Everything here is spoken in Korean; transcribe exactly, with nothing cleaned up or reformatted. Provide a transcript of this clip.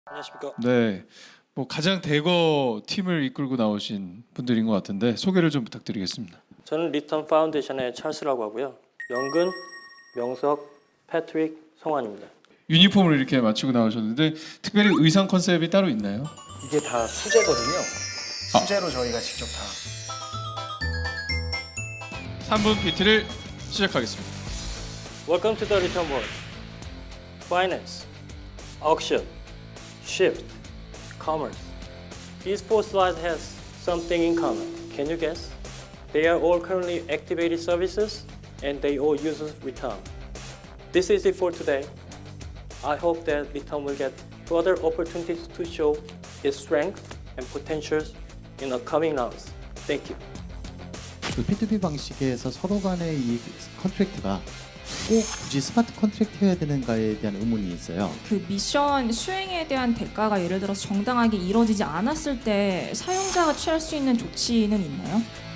안녕하십니까. 네, 뭐 가장 대거 팀을 이끌고 나오신 분들인 것 같은데 소개를 좀 부탁드리겠습니다. 저는 리턴 파운데이션의 찰스라고 하고요. 영근, 명석, 패트릭, 성환입니다. 유니폼을 이렇게 맞추고 나오셨는데 특별히 의상 컨셉이 따로 있나요? 이게 다 수제거든요. 수제로 저희가 직접 다. 삼 분 피티를 시작하겠습니다. Welcome to the Return World. Finance, auction, shift, commerce. These four slides has something in common. Can you guess? They are all currently activated services and they all use return. This is it for today. I hope that return will get further opportunities to show its strength and potentials in the coming rounds. Thank you. 그 피투피 방식에서 서로 간의 이 컨트랙트가 꼭 굳이 스마트 컨트랙트여야 되는가에 대한 의문이 있어요. 그 미션 수행에 대한 대가가 예를 들어서 정당하게 이루어지지 않았을 때 사용자가 취할 수 있는 조치는 있나요?